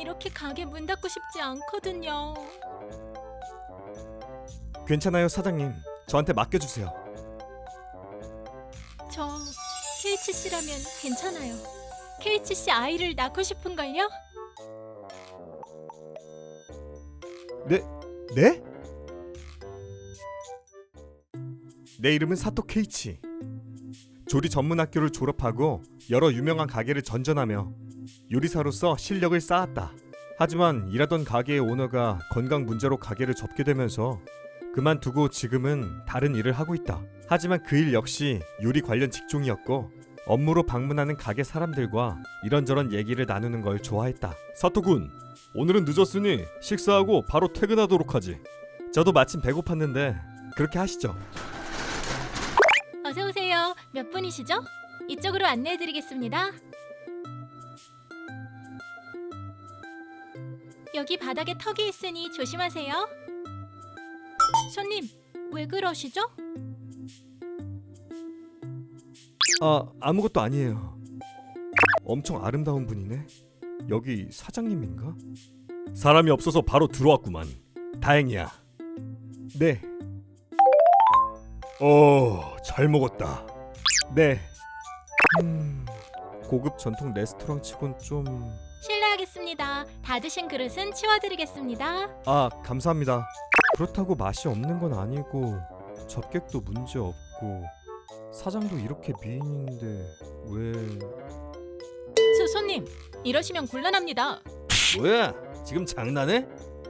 이렇게 가게 문 닫고 싶지 않거든요. 괜찮아요, 사장님. 저한테 맡겨주세요. 저 KHC라면 괜찮아요. KHC 아이를 낳고 싶은걸요? 네? 내 이름은 사토 케이치. 조리 전문 학교를 졸업하고 여러 유명한 가게를 전전하며 요리사로서 실력을 쌓았다. 하지만 일하던 가게의 오너가 건강 문제로 가게를 접게 되면서 그만두고 지금은 다른 일을 하고 있다. 하지만 그 일 역시 요리 관련 직종이었고 업무로 방문하는 가게 사람들과 이런저런 얘기를 나누는 걸 좋아했다. 사토군, 오늘은 늦었으니 식사하고 바로 퇴근하도록 하지. 저도 마침 배고팠는데 그렇게 하시죠. 어서 오세요. 몇 분이시죠? 이쪽으로 안내해드리겠습니다. 여기 바닥에 턱이 있으니 조심하세요. 손님, 왜 그러시죠? 아무것도 아니에요. 엄청 아름다운 분이네. 여기 사장님인가? 사람이 없어서 바로 들어왔구만. 다행이야. 네. 잘 먹었다. 네. 고급 전통 레스토랑 치곤 좀... 실례하겠습니다. 다 드신 그릇은 치워드리겠습니다. 감사합니다. 그렇다고 맛이 없는 건 아니고 접객도 문제 없고 사장도 이렇게 미인인데 왜... 손님, 이러시면 곤란합니다. 뭐야? 지금 장난해?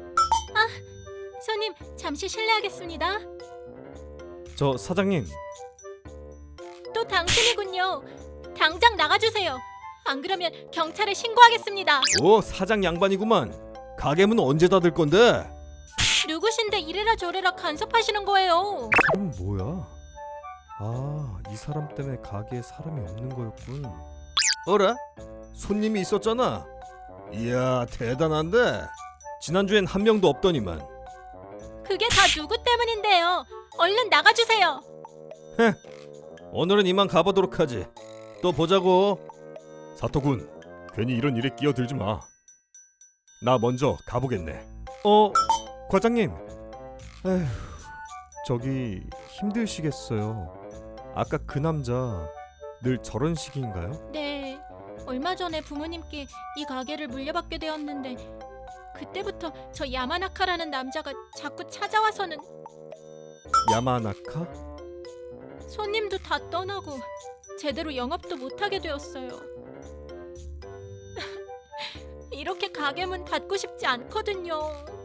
손님, 잠시 실례하겠습니다. 저 사장님, 또 당신이군요. 당장 나가주세요. 안 그러면 경찰에 신고하겠습니다. 사장 양반이구만. 가게 문 언제 닫을 건데? 누구신데 이래라 저래라 간섭하시는 거예요. 사람은 뭐야? 이 사람 때문에 가게에 사람이 없는 거였군. 어라? 손님이 있었잖아. 이야, 대단한데? 지난주엔 한 명도 없더니만. 그게 다 누구 때문인데요. 얼른 나가주세요. 오늘은 이만 가보도록 하지. 또 보자고. 사토군, 괜히 이런 일에 끼어들지 마. 나 먼저 가보겠네. 과장님. 에휴, 저기 힘드시겠어요. 아까 그 남자 늘 저런 식인가요? 네, 얼마 전에 부모님께 이 가게를 물려받게 되었는데 그때부터 저 야마나카라는 남자가 자꾸 찾아와서는 야마나카? 손님도 다 떠나고 제대로 영업도 못하게 되었어요. 이렇게 가게 문 닫고 싶지 않거든요.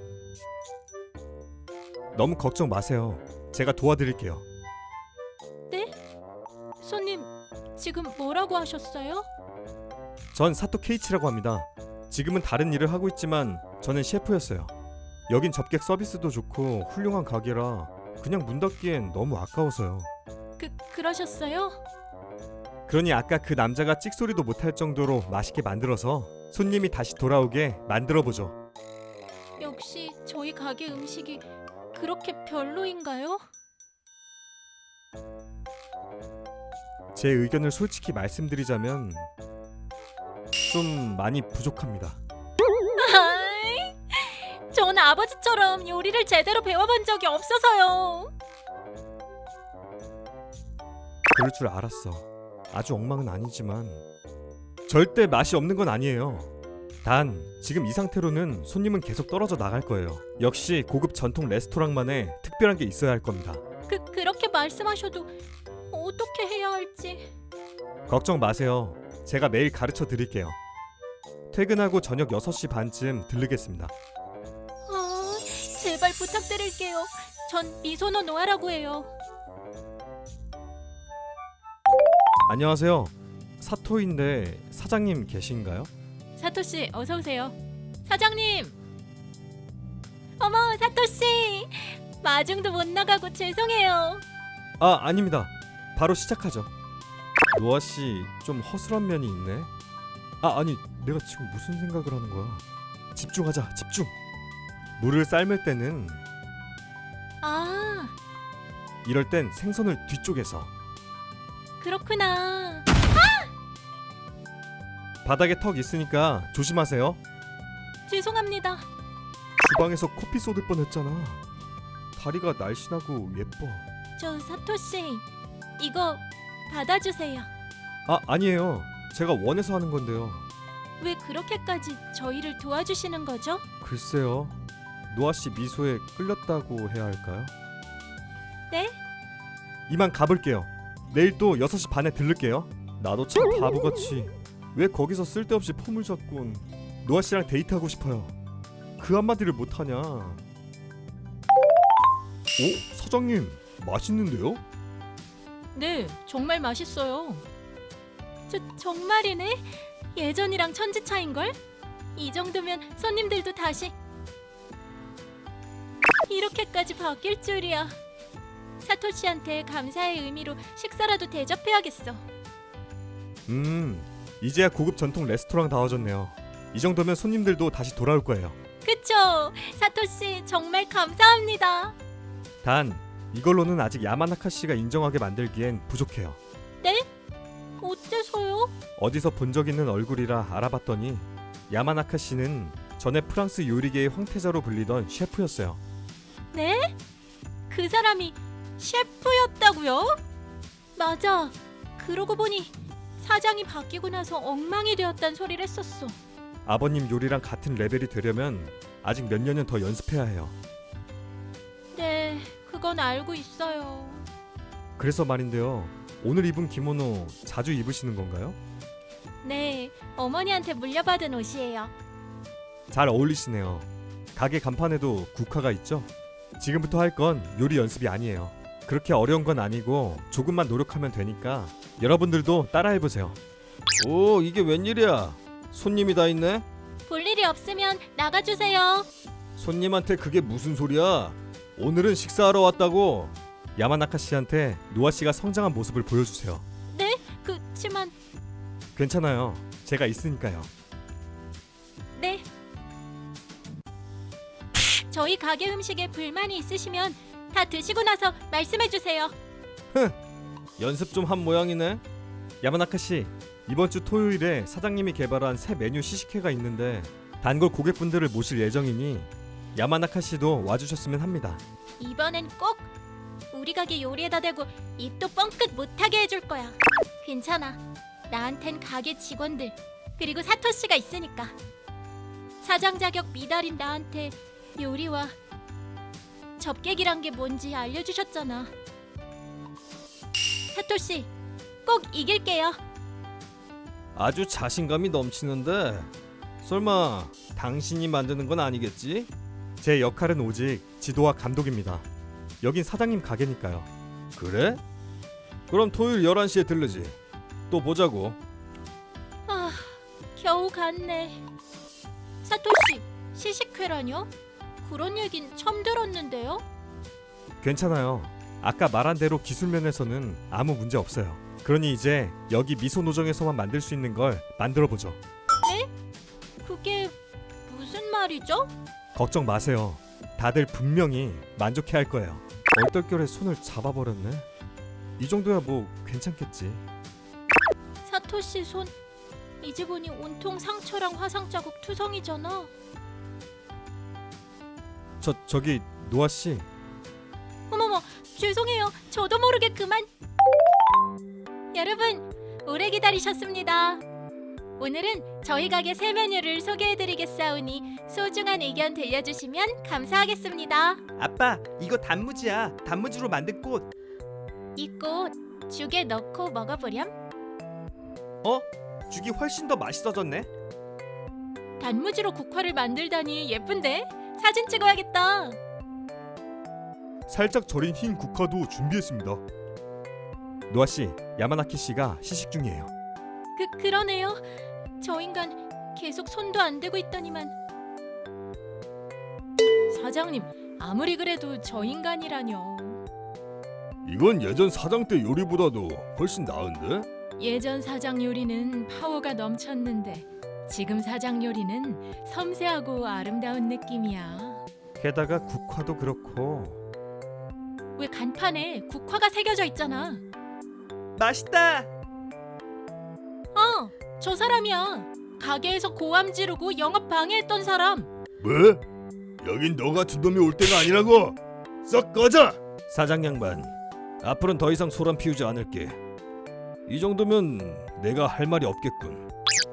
너무 걱정 마세요. 제가 도와드릴게요. 네? 손님, 지금 뭐라고 하셨어요? 전 사토 케이치라고 합니다. 지금은 다른 일을 하고 있지만 저는 셰프였어요. 여긴 접객 서비스도 좋고 훌륭한 가게라 그냥 문 닫기엔 너무 아까워서요. 그러셨어요? 그러니 아까 그 남자가 찍소리도 못할 정도로 맛있게 만들어서 손님이 다시 돌아오게 만들어보죠. 역시 저희 가게 음식이 그렇게 별로인가요? 제 의견을 솔직히 말씀드리자면 좀 많이 부족합니다. 아이, 전 아버지처럼 요리를 제대로 배워본 적이 없어서요. 그럴 줄 알았어. 아주 엉망은 아니지만 절대 맛이 없는 건 아니에요. 단 지금 이 상태로는 손님은 계속 떨어져 나갈 거예요. 역시 고급 전통 레스토랑만의 특별한 게 있어야 할 겁니다. 그렇게 말씀하셔도 어떻게 해야 할지. 걱정 마세요. 제가 매일 가르쳐 드릴게요. 퇴근하고 저녁 6시 반쯤 들르겠습니다. 제발 부탁드릴게요. 전 미소노 노아라고 해요. 안녕하세요. 사토인데 사장님 계신가요? 사토씨, 어서 오세요. 사장님! 어머, 사토씨! 마중도 못 나가고 죄송해요. 아닙니다. 바로 시작하죠. 노아씨 좀 허술한 면이 있네. 아니 내가 지금 무슨 생각을 하는 거야. 집중하자, 집중. 물을 삶을 때는 이럴 땐 생선을 뒤쪽에서. 그렇구나. 바닥에 턱 있으니까 조심하세요. 죄송합니다. 주방에서 커피 쏟을 뻔했잖아. 다리가 날씬하고 예뻐. 저 사토 씨, 이거 받아주세요. 아, 아니에요. 제가 원해서 하는 건데요. 왜 그렇게까지 저희를 도와주시는 거죠? 글쎄요. 노아 씨 미소에 끌렸다고 해야 할까요? 네? 이만 가볼게요. 내일 또 6시 반에 들를게요. 나도 참 바보같이 왜 거기서 쓸데없이 폼을 잡곤 노아 씨랑 데이트하고 싶어요. 그 한마디를 못하냐. 오? 사장님 맛있는데요? 네, 정말 맛있어요. 정말이네? 예전이랑 천지 차인걸? 이 정도면 손님들도 다시 이렇게까지 바뀔 줄이야. 사토 씨한테 감사의 의미로 식사라도 대접해야겠어. 이제야 고급 전통 레스토랑다워졌네요. 이 정도면 손님들도 다시 돌아올 거예요. 그쵸? 사토 씨 정말 감사합니다. 단 이걸로는 아직 야마나카 씨가 인정하게 만들기엔 부족해요. 네? 어째서요? 어디서 본 적 있는 얼굴이라 알아봤더니 야마나카 씨는 전에 프랑스 요리계의 황태자로 불리던 셰프였어요. 네? 그 사람이 셰프였다고요? 맞아. 그러고 보니 사장이 바뀌고 나서 엉망이 되었단 소리를 했었어. 아버님 요리랑 같은 레벨이 되려면 아직 몇 년은 더 연습해야 해요. 네, 그건 알고 있어요. 그래서 말인데요. 오늘 입은 기모노 자주 입으시는 건가요? 네, 어머니한테 물려받은 옷이에요. 잘 어울리시네요. 가게 간판에도 국화가 있죠? 지금부터 할 건 요리 연습이 아니에요. 그렇게 어려운 건 아니고 조금만 노력하면 되니까 여러분들도 따라해보세요. 오, 이게 웬일이야? 손님이 다 있네? 볼 일이 없으면 나가주세요. 손님한테 그게 무슨 소리야? 오늘은 식사하러 왔다고. 야마나카 씨한테 노아 씨가 성장한 모습을 보여주세요. 네? 그치만... 괜찮아요. 제가 있으니까요. 네. 저희 가게 음식에 불만이 있으시면 다 드시고 나서 말씀해주세요. 연습 좀 한 모양이네. 야마나카 씨, 이번 주 토요일에 사장님이 개발한 새 메뉴 시식회가 있는데 단골 고객분들을 모실 예정이니 야마나카 씨도 와주셨으면 합니다. 이번엔 꼭 우리 가게 요리에다 대고 입도 뻥끗 못하게 해줄 거야. 괜찮아. 나한텐 가게 직원들 그리고 사토 씨가 있으니까. 사장 자격 미달인 나한테 요리와 접객이란 게 뭔지 알려주셨잖아. 사토 씨, 꼭 이길게요. 아주 자신감이 넘치는데 설마 당신이 만드는 건 아니겠지? 제 역할은 오직 지도와 감독입니다. 여긴 사장님 가게니까요. 그래? 그럼 토요일 11시에 들르지. 또 보자고. 아, 겨우 갔네. 사토 씨, 시식회라뇨? 그런 얘긴 처음 들었는데요. 괜찮아요. 아까 말한 대로 기술 면에서는 아무 문제 없어요. 그러니 이제 여기 미소 노정에서만 만들 수 있는 걸 만들어 보죠. 네? 그게 무슨 말이죠? 걱정 마세요. 다들 분명히 만족해 할 거예요. 얼떨결에 손을 잡아버렸네. 이 정도야 뭐 괜찮겠지. 사토 씨 손 이제 보니 온통 상처랑 화상 자국 투성이잖아. 저기 노아 씨. 어머머, 죄송해요. 저도 모르게 그만. 여러분, 오래 기다리셨습니다. 오늘은 저희 가게 새 메뉴를 소개해드리겠사오니 소중한 의견 들려주시면 감사하겠습니다. 아빠, 이거 단무지야. 단무지로 만든 꽃. 이 꽃 죽에 넣고 먹어보렴. 어? 죽이 훨씬 더 맛있어졌네. 단무지로 국화를 만들다니 예쁜데? 사진 찍어야겠다. 살짝 절인 흰 국화도 준비했습니다. 노아 씨, 야마나키 씨가 시식 중이에요. 그러네요. 저 인간 계속 손도 안 대고 있더니만. 사장님, 아무리 그래도 저 인간이라뇨. 이건 예전 사장 때 요리보다도 훨씬 나은데? 예전 사장 요리는 파워가 넘쳤는데 지금 사장 요리는 섬세하고 아름다운 느낌이야. 게다가 국화도 그렇고. 왜 간판에 국화가 새겨져 있잖아. 맛있다. 저 사람이야. 가게에서 고함 지르고 영업 방해했던 사람. 뭐? 여긴 너 같은 놈이 올 때가 아니라고. 썩 꺼져. 사장 양반, 앞으로는 더 이상 소란 피우지 않을게. 이 정도면 내가 할 말이 없겠군.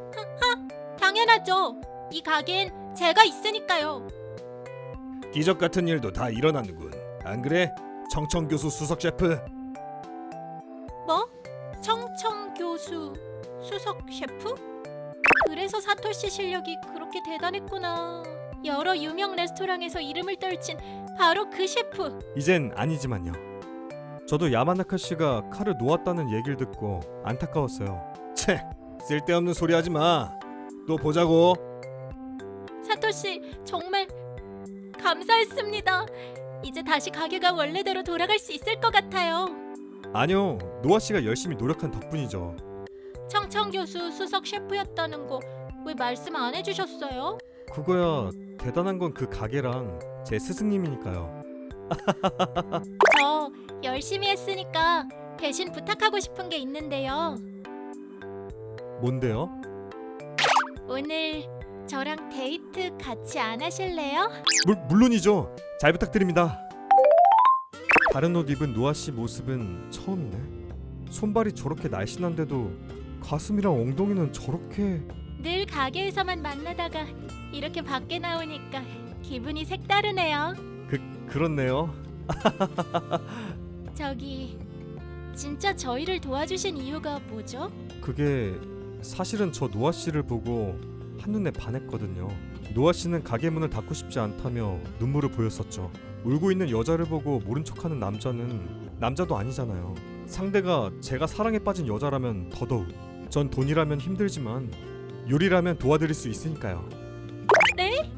당연하죠. 이 가게엔 제가 있으니까요. 기적 같은 일도 다 일어나는군. 안 그래? 청청 교수 수석 셰프. 뭐? 청청 교수 수석 셰프? 그래서 사토시 실력이 그렇게 대단했구나. 여러 유명 레스토랑에서 이름을 떨친 바로 그 셰프. 이젠 아니지만요. 저도 야마나카 씨가 칼을 놓았다는 얘기를 듣고 안타까웠어요. 채, 쓸데없는 소리 하지 마. 또 보자고. 사토시 정말 감사했습니다. 이제 다시 가게가 원래대로 돌아갈 수 있을 것 같아요. 아니요, 노아 씨가 열심히 노력한 덕분이죠. 청청 교수 수석 셰프였다는 거 왜 말씀 안 해주셨어요? 그거야 대단한 건 그 가게랑 제 스승님이니까요. 저 열심히 했으니까 대신 부탁하고 싶은 게 있는데요. 뭔데요? 오늘 저랑 데이트 같이 안 하실래요? 물론이죠. 잘 부탁드립니다. 다른 옷 입은 노아 씨 모습은 처음이네. 손발이 저렇게 날씬한데도 가슴이랑 엉덩이는 저렇게. 늘 가게에서만 만나다가 이렇게 밖에 나오니까 기분이 색다르네요. 그렇네요. 저기 진짜 저희를 도와주신 이유가 뭐죠? 그게 사실은 저 노아 씨를 보고 한눈에 반했거든요. 노아 씨는 가게 문을 닫고 싶지 않다며 눈물을 보였었죠. 울고 있는 여자를 보고 모른 척하는 남자는 남자도 아니잖아요. 상대가 제가 사랑에 빠진 여자라면 더더욱. 전 돈이라면 힘들지만 요리라면 도와드릴 수 있으니까요. 네?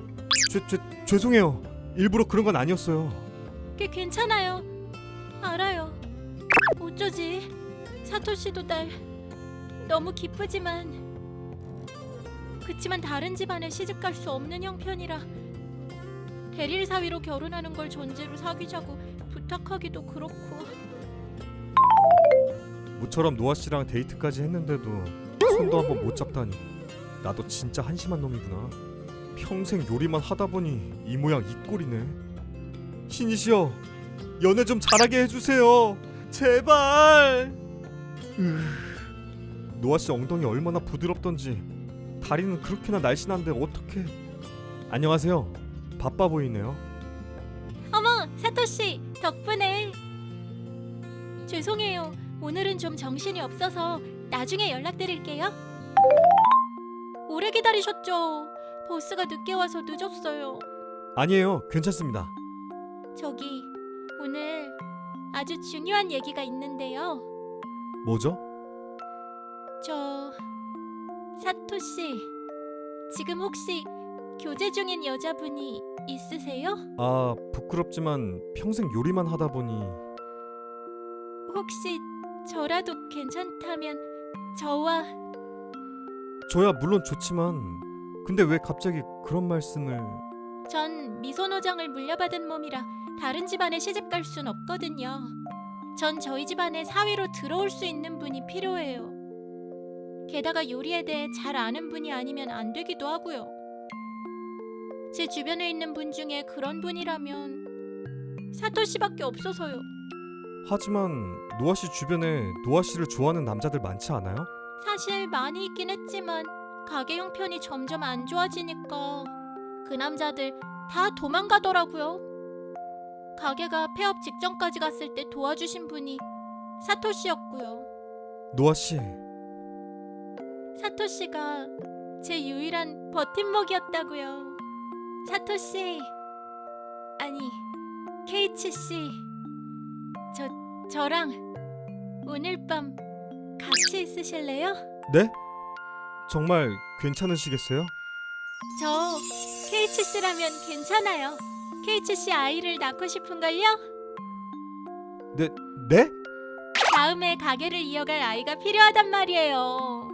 죄송해요. 일부러 그런 건 아니었어요. 꽤 괜찮아요. 알아요. 어쩌지? 사토시도 날 너무 기쁘지만 그치만 다른 집안에 시집 갈 수 없는 형편이라 대릴 사위로 결혼하는 걸 전제로 사귀자고 부탁하기도 그렇고. 모처럼 노아 씨랑 데이트까지 했는데도 손도 한번 못 잡다니. 나도 진짜 한심한 놈이구나. 평생 요리만 하다 보니 이 모양 이 꼴이네. 신이시여, 연애 좀 잘하게 해주세요. 제발. 노아 씨 엉덩이 얼마나 부드럽던지. 다리는 그렇게나 날씬한데 어떻게? 안녕하세요. 바빠 보이네요. 어머, 사토시 덕분에. 죄송해요. 오늘은 좀 정신이 없어서 나중에 연락드릴게요. 오래 기다리셨죠? 버스가 늦게 와서 늦었어요. 아니에요, 괜찮습니다. 저기 오늘 아주 중요한 얘기가 있는데요. 뭐죠? 저 사토씨 지금 혹시 교제 중인 여자분이 있으세요? 아, 부끄럽지만 평생 요리만 하다 보니. 혹시 저라도 괜찮다면 저와. 저야 물론 좋지만 근데 왜 갑자기 그런 말씀을. 전 미소노정을 물려받은 몸이라 다른 집안에 시집 갈 순 없거든요. 전 저희 집안에 사위로 들어올 수 있는 분이 필요해요. 게다가 요리에 대해 잘 아는 분이 아니면 안 되기도 하고요. 제 주변에 있는 분 중에 그런 분이라면 사토씨밖에 없어서요. 하지만 노아 씨 주변에 노아 씨를 좋아하는 남자들 많지 않아요? 사실 많이 있긴 했지만 가게 형편이 점점 안 좋아지니까 그 남자들 다 도망가더라고요. 가게가 폐업 직전까지 갔을 때 도와주신 분이 사토씨였고요. 노아 씨, 사토씨가 제 유일한 버팀목이었다고요. 사토씨, 아니 케이치씨, 저랑 오늘 밤 같이 있으실래요? 네? 정말 괜찮으시겠어요? 저 케이치씨라면 괜찮아요. 케이치씨 아이를 낳고 싶은걸요? 네? 다음에 가게를 이어갈 아이가 필요하단 말이에요.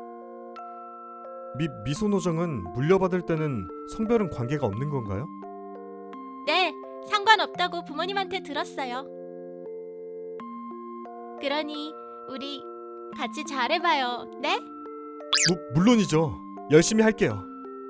미소노정은 물려받을 때는 성별은 관계가 없는 건가요? 네, 상관없다고 부모님한테 들었어요. 그러니 우리 같이 잘해봐요. 네? 물론이죠. 열심히 할게요.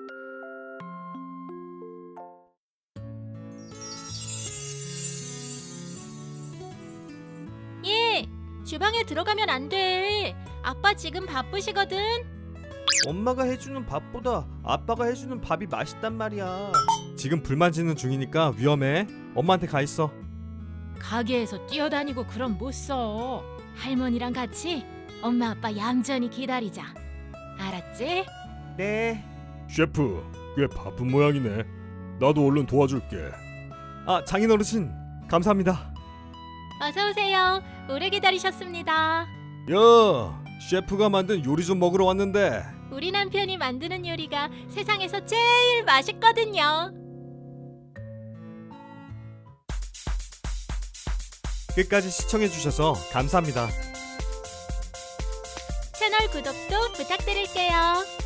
예, 주방에 들어가면 안 돼. 아빠 지금 바쁘시거든. 엄마가 해주는 밥보다 아빠가 해주는 밥이 맛있단 말이야. 지금 불만 지는 중이니까 위험해. 엄마한테 가 있어. 가게에서 뛰어다니고 그럼 못 써. 할머니랑 같이 엄마 아빠 얌전히 기다리자. 알았지? 네. 셰프, 꽤 바쁜 모양이네. 나도 얼른 도와줄게. 아, 장인어르신 감사합니다. 어서 오세요. 오래 기다리셨습니다. 야, 셰프가 만든 요리 좀 먹으러 왔는데. 우리 남편이 만드는 요리가 세상에서 제일 맛있거든요. 끝까지 시청해주셔서 감사합니다. 채널 구독도 부탁드릴게요.